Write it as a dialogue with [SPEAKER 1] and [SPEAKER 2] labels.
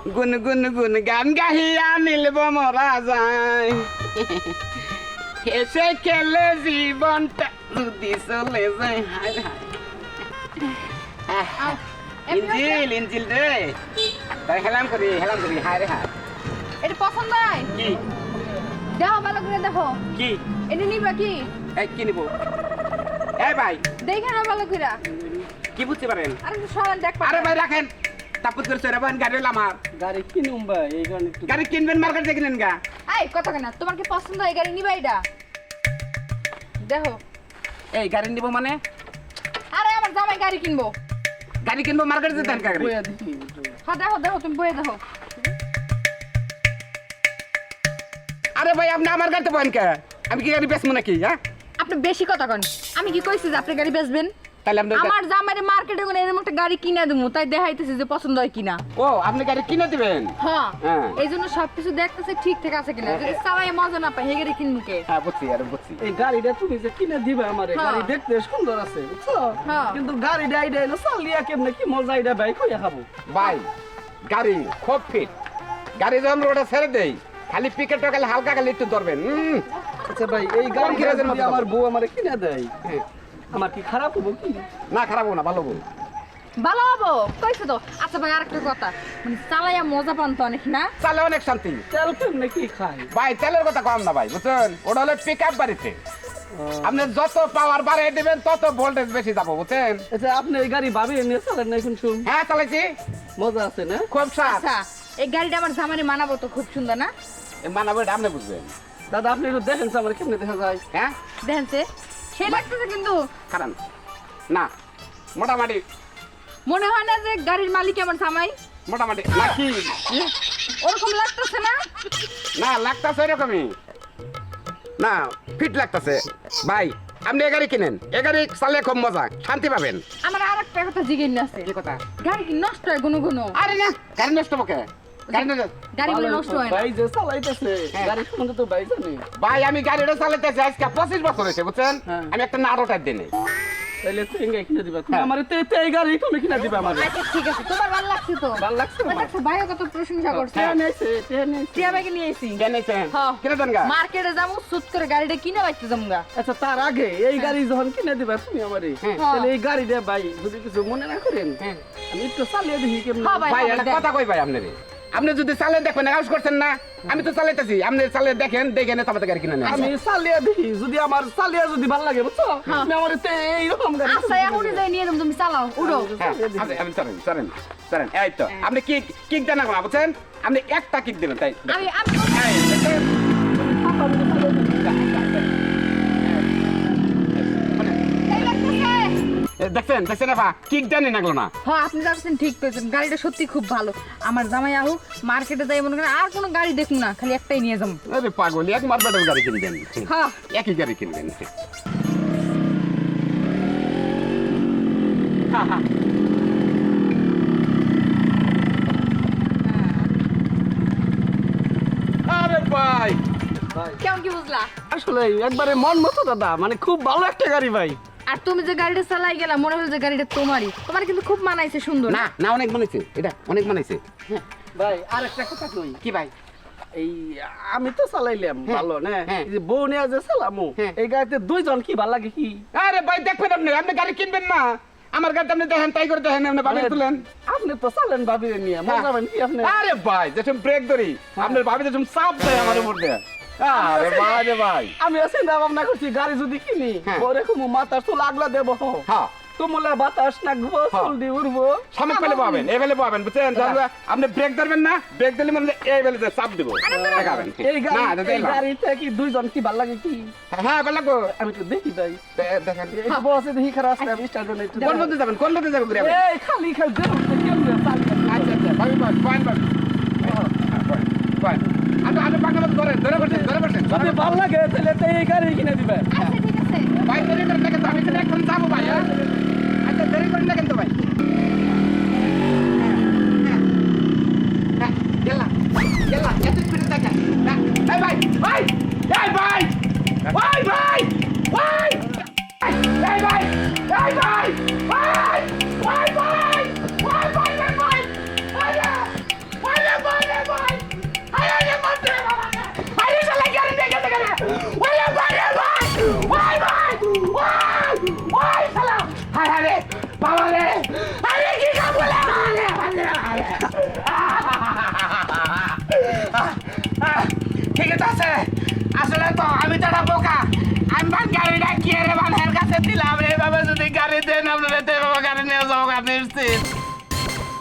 [SPEAKER 1] গুন গুন গুন গান গাহিয়া নীলব মরা যায় হেসে খেলে জীবনটা যদি চলে যায় হায় হায় ইঞ্জিল ইঞ্জিল রে তাই হেলাম করি হায় রে হায়
[SPEAKER 2] এটা পছন্দ হয়
[SPEAKER 1] কি
[SPEAKER 2] দেখো ভালো করে দেখো
[SPEAKER 1] কি
[SPEAKER 2] এটা নিবা কি
[SPEAKER 1] এই কি নিব এই ভাই
[SPEAKER 2] দেখে না ভালো করে
[SPEAKER 1] কি বুঝতে পারেন
[SPEAKER 2] আরে সরান দেখ
[SPEAKER 1] আরে ভাই রাখেন তাপত করে চড়ে বান গাড়ি আমার
[SPEAKER 3] গাড়ি কিনুম ভাই এই কারণে একটু
[SPEAKER 1] গাড়ি কিনবেন মার্কেট থেকে কিনেন গা
[SPEAKER 2] এই কথা কেন তোমার কি পছন্দ হয় গাড়ি নিবা এটা দেখো
[SPEAKER 1] এই গাড়ি নিব মানে
[SPEAKER 2] আরে আমার জামাই গাড়ি কিনবো
[SPEAKER 1] গাড়ি কিনবো মার্কেট যেতে গাড়ি
[SPEAKER 3] বইয়া দেখি
[SPEAKER 2] হ্যাঁ দেখো দেখো তুমি বয়ে দেখো
[SPEAKER 1] আরে ভাই আপনি আমার গাড়িতে বলেন কে আমি কি গাড়ি বেচবো নাকি হ্যাঁ
[SPEAKER 2] আপনি বেশি কথা কন আমি কি কইছি যে আপনি গাড়ি বেচবেন
[SPEAKER 1] তাহলে আপনি
[SPEAKER 2] আমার জামাইরে মার্কেটে কোন এরকম একটা গাড়ি কিনে দেবো তাই দেখাইতেছি যে পছন্দ হয় কিনা
[SPEAKER 1] ও আপনি গাড়ি কিনে দিবেন
[SPEAKER 2] হ্যাঁ
[SPEAKER 1] হ্যাঁ।
[SPEAKER 2] এই জন্য সবকিছু দেখতেছে ঠিক ঠিক আছে কিনা যদি চালাই মজা না পাই হে গাড়ি কিনবো কে
[SPEAKER 1] হ্যাঁ বুঝছি আরে বুঝছি
[SPEAKER 3] এই গাড়িটা তুমি যে কিনে দিবে আমারে
[SPEAKER 2] হ্যাঁ।
[SPEAKER 3] গাড়ি দেখতে সুন্দর আছে বুঝছো
[SPEAKER 2] হ্যাঁ।
[SPEAKER 3] কিন্তু গাড়িটা এইটা এলো চালিয়া কেমনে কি মজা এটা ভাই কইয়া খাবো
[SPEAKER 1] ভাই গাড়ি খুব ফিট গাড়ি যখন রোডে ছেড়ে দেই খালি পিকেট খালি হালকা খালি একটু ধরবেন
[SPEAKER 3] আচ্ছা ভাই এই
[SPEAKER 1] কোন
[SPEAKER 3] গাড়ি
[SPEAKER 1] কিরাজের মতো
[SPEAKER 3] আমার বউ আমারে কিনে দেয়
[SPEAKER 1] হ্যাঁ।
[SPEAKER 3] আমার কি খারাপ হবো কি
[SPEAKER 1] না খারাপ হবো না ভালো হবো
[SPEAKER 2] ভালো হবো কইছো তো আচ্ছা ভাই আরেকটা কথা মানে চালাইয়া মজা পান তো অনেক না
[SPEAKER 1] চালে অনেক শান্তি
[SPEAKER 3] তেল কেমনে কি খায়
[SPEAKER 1] ভাই তেলের কথা কম না ভাই বুঝছেন ওটা হলো পিক আপ বাড়িতে আপনি যত পাওয়ার বাড়িয়ে দিবেন তত ভোল্টেজ বেশি যাবো বুঝছেন
[SPEAKER 3] আচ্ছা আপনি এই গাড়ি ভাবি নিয়ে চালেন না এখন শুন
[SPEAKER 1] হ্যাঁ চালাইছি
[SPEAKER 3] মজা আছে না
[SPEAKER 1] খুব সাত
[SPEAKER 2] আচ্ছা এই গাড়িটা আমার জামাইরে মানাবো তো খুব সুন্দর না
[SPEAKER 1] মানাবো এটা আপনি বুঝবেন
[SPEAKER 3] দাদা আপনি একটু দেখেন তো আমার কেমনে দেখা যায়
[SPEAKER 1] হ্যাঁ
[SPEAKER 2] দেখেন সে সে লাগতেছে কিন্তু
[SPEAKER 1] খারাপ না মোটামুটি
[SPEAKER 2] মনে হয় না যে গাড়ির মালিক আমার জামাই
[SPEAKER 1] মোটামুটি নাকি
[SPEAKER 2] ওরকম লাগতেছে না
[SPEAKER 1] না লাগতাছে এরকমই না ফিট লাগতাছে ভাই আপনি এ গাড়ি কিনেন এ গাড়ি চালিয়ে খুব মজা শান্তি পাবেন
[SPEAKER 2] আমার আর একটা কথা জিজ্ঞেস আছে
[SPEAKER 1] কি কথা
[SPEAKER 2] গাড়ি কি নষ্ট হয় কোনো কোনো
[SPEAKER 1] আরে না গাড়ি নষ্ট বকে গাড়ি নষ্ট
[SPEAKER 2] গাড়িগুলো নষ্ট হয় না
[SPEAKER 3] ভাই যে চালাইতেছে
[SPEAKER 1] হ্যাঁ।
[SPEAKER 3] গাড়ি সম্বন্ধে তো ভাই জানে
[SPEAKER 1] ভাই আমি গাড়িটা চালাইতেছি আজকে 25 বছর হয়েছে বুঝছেন
[SPEAKER 3] হ্যাঁ।
[SPEAKER 1] আমি একটা নাড়ো টাইপ দিই নাই।
[SPEAKER 3] তাইলে তুই এঙ্গে কিনে দিবা তুমি
[SPEAKER 1] হ্যাঁ।
[SPEAKER 3] আমারে তে এই গাড়ি তুমি কিনে দিবা আমারে
[SPEAKER 2] আচ্ছা ঠিক আছে তোমার ভালো লাগছে তো
[SPEAKER 3] ভালো লাগছে
[SPEAKER 2] ওই
[SPEAKER 3] আমার
[SPEAKER 2] দেখছো ভাইও কত প্রশংসা করছে
[SPEAKER 1] হ্যাঁ।
[SPEAKER 3] তে নেছে
[SPEAKER 2] টিয়া ব্যাগে নিয়ে এসি
[SPEAKER 1] কেন নিছেন
[SPEAKER 2] হ্যাঁ।
[SPEAKER 1] কিনে দেন গা
[SPEAKER 2] মার্কেটে যাবো সুত করে গাড়িটা কিনে বাইতে যাবো গা
[SPEAKER 3] আচ্ছা তার আগে এই গাড়ি যখন কিনে দিবা তুমি আমারে
[SPEAKER 1] হ্যাঁ।
[SPEAKER 3] তাহলে এই গাড়িটা ভাই যদি কিছু মনে না করেন
[SPEAKER 1] হ্যাঁ।
[SPEAKER 3] আমি একটু চালিয়ে দেখি কেমন
[SPEAKER 2] হ্যাঁ ভাই।
[SPEAKER 1] ভাই একটা
[SPEAKER 2] দেন।
[SPEAKER 1] কথা কই ভাই আপনারে আপনি যদি চালিয়ে দেখবেন আউস করছেন না আমি তো চালাইতেছি আপনি চালিয়ে দেখেন দেখে নে তারপরে গাড়ি কিনে নেন
[SPEAKER 3] আমি চালিয়ে দেখি যদি আমার চালিয়ে যদি ভালো লাগে বুঝছো
[SPEAKER 2] হ্যাঁ।
[SPEAKER 3] তুমি আমার এইরকম গাড়ি
[SPEAKER 2] আচ্ছা এখনই যাই নিয়ে যাবো তুমি চালাও উড়ো
[SPEAKER 1] হ্যাঁ আপনি চলেন চলেন চলেন এই তো আপনি কিক দেন না বুঝছেন আপনি একটা কিক দেবেন তাই
[SPEAKER 2] আমি আমি
[SPEAKER 1] এই, দেখেন?
[SPEAKER 2] এই লাগতেছে
[SPEAKER 1] দেখছেন দেখছেন আপা কিক দেন নাগলো না
[SPEAKER 2] হ্যাঁ আপনি যাচ্ছেন ঠিক করেছেন গাড়িটা সত্যি খুব ভালো আমার জামাই আহু মার্কেটে যাই মনে করেন আর কোনো গাড়ি দেখুন না খালি একটাই নিয়ে যাবো
[SPEAKER 1] আরে পাগল এক মারবেটার গাড়ি কিনবেন
[SPEAKER 2] হ্যাঁ
[SPEAKER 1] একই গাড়ি কিনবেন আরে ভাই
[SPEAKER 3] ভাই
[SPEAKER 2] কেমন কি বুঝলা
[SPEAKER 3] আসলে একবারে মন মতো দাদা মানে খুব ভালো একটা গাড়ি ভাই
[SPEAKER 2] আর তুমি যে গাড়িটা চালাই গেলা মনে হলো যে গাড়িটা তোমারই তোমার কিন্তু খুব মানাইছে সুন্দর
[SPEAKER 1] না না অনেক বানাইছে এটা অনেক বানাইছে
[SPEAKER 3] ভাই আর একটা কথা কই
[SPEAKER 1] কি ভাই
[SPEAKER 3] এই আমি তো চালাইলাম
[SPEAKER 1] হ্যাঁ,
[SPEAKER 3] ভালো না
[SPEAKER 1] হ্যাঁ।
[SPEAKER 3] এই যে বউ নিয়ে যে চালামু
[SPEAKER 1] হ্যাঁ।
[SPEAKER 3] এই গাড়িতে দুইজন কি ভালো লাগে কি
[SPEAKER 1] আরে ভাই দেখবেন আপনি আপনি গাড়ি কিনবেন না আমার গাড়িতে আপনি দেখেন তাই করে দেখেন আপনি ভাবি তুলেন
[SPEAKER 3] আপনি তো চালেন ভাবিরে নিয়ে মজা পাবেন কি আপনি
[SPEAKER 1] আরে ভাই যেসব ব্রেক ধরি আপনার ভাবি যেসব চাপ দেয় আমার উপর দিয়ে আরে ভাই রে ভাই
[SPEAKER 3] আমি চিন্তা ভাবনা করছি গাড়ি যদি কিনি
[SPEAKER 1] হ্যাঁ।
[SPEAKER 3] ওরে কুমু মাথার চুল আগলা দেবো
[SPEAKER 1] হ্যাঁ
[SPEAKER 3] তুমুলা বাতাস নাকবো
[SPEAKER 1] হ্যাঁ।
[SPEAKER 3] চুল দিয়ে উড়বো
[SPEAKER 1] সামনে পেলে পাবেন এই বেলে পাবেন বুঝছেন তাহলে আপনি ব্রেক ধরবেন না ব্রেক দিলে মানে এই বেলে চাপ দিব দেখাবেন
[SPEAKER 3] এই
[SPEAKER 1] না
[SPEAKER 3] গাড়ি
[SPEAKER 1] এটা
[SPEAKER 3] এই
[SPEAKER 1] দেখলাম।
[SPEAKER 3] গাড়িতে কি দুইজন কি ভালো লাগে কি
[SPEAKER 1] হ্যাঁ বেলা গো
[SPEAKER 3] আমি একটু দেখি ভাই
[SPEAKER 1] দেখেন
[SPEAKER 3] এই বসে দেখি খারাপ আছে আমি স্টার্ট করে একটু
[SPEAKER 1] কোন পথে যাবেন কোন পথে যাবেন ঘুরে
[SPEAKER 3] এই খালি খালি দেখো কেমনে চালিয়ে
[SPEAKER 1] আচ্ছা আচ্ছা ভাবি ভাই পয়েন্ট ভাবি পয়েন্ট আপনি পাকা মতো ধরে বসেন
[SPEAKER 3] যদি ভালো লাগে তাহলে তো এই গাড়ি কিনে দিবে
[SPEAKER 2] আচ্ছা ঠিক আছে
[SPEAKER 1] ভাই দেরি করে দেখেন তো আমি তো এখন যাবো ভাই হ্যাঁ? আচ্ছা দেরি করে দেখেন তো ভাই গেলা গেলা এত স্পিডে দেখেন এই ভাই ভাই এই ভাই ভাই ভাই ভাই এই ভাই এই ভাই ভাই ভাই ভাই ভাই ভাই ভাই ভাই ভাই ভাই বাবা রে আরে কি কাবুলে ঠিক আছে আসলে তো আমি তো একটা বোকা আমি গাড়িটা কি রে মানের কাছে দিলাম এইভাবে যদি গাড়ি দেন আপনারা